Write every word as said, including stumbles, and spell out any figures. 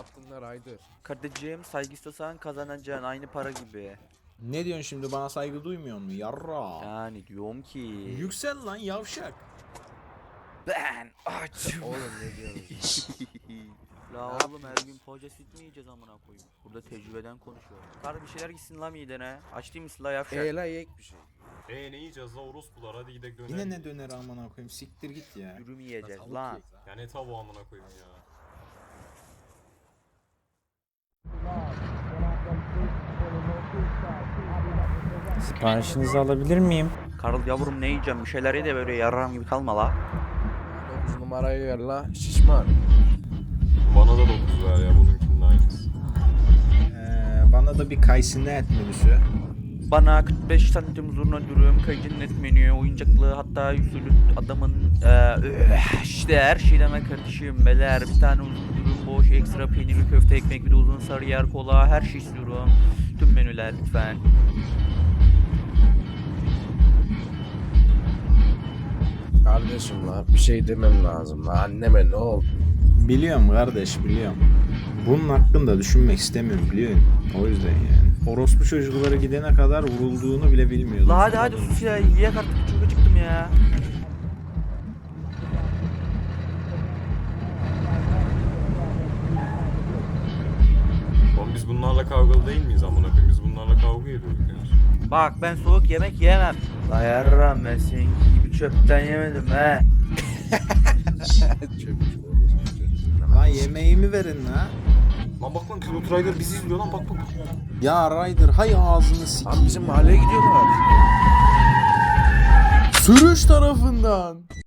hakkında Ryder. Kardeşim saygı istiyorsan kazanacaksın aynı para gibi. Ne diyorsun şimdi, bana saygı duymuyor mu yarra? Yani diyorum ki. Yüksel lan yavşak. Ben açım. Oğlum ne diyorsun? La Ne oğlum her gün poğaça süt mü yiyeceğiz amına koyayım? Burada tecrübeden konuşuyorum. Kar bir şeyler gitsin la midene. Aç değil misin la yavşak? Eee la yek bir şey. Eee ne yiyeceğiz la orospular, hadi gidelim döner. Yine ne döner amına koyayım, siktir git ya. Dürüm yiyeceğiz Tavuk lan. ye. Ya ne tavuğu amına koyayım ya. Siparişinizi alabilir miyim? Karıl yavrum ne yiyeceğim? Bir şeyler ye de böyle yarram gibi kalma la. dokuz numarayı ver la şişman. Bana da dokuz ver ya, bununkinin aynısı. Ee, bana da bir kayısını et menüsü. Bana kırk beş santim zurna dürüm, kayıcının et menü, oyuncaklı hatta yüzülü adamın eee işte her şeyden ben kardeşim beler. Bir tane uzun dürüm, boş, ekstra peynirli köfte, ekmek, bir de uzun sarıyer, kola, her şey istiyorum. Tüm menüler lütfen. Kardeşim la bir şey demem lazım la, anneme ne oldu? Biliyorum kardeş, biliyorum. Bunun hakkında düşünmek istemiyorum, biliyorsun. O yüzden yani. Orospu çocukları gidene kadar vurulduğunu bile bilmiyordum. La hadi hadi sus ya, yiyek artık, çok acıktım ya. Oğlum biz bunlarla kavgalı değil miyiz amına koyayım? Biz bunlarla kavga ediyorduk yani. Bak ben soğuk yemek yemem. La yarram ben senin gibi çöpten yemedim he. Çöpçü Lan yemeğimi verin la. Lan bak lan Pilot Rider bizi izliyor lan, bak bak. Ya Ryder hay ağzını sikeyim. Abi bizim mahalleye gidiyorlar. Sürüş tarafından.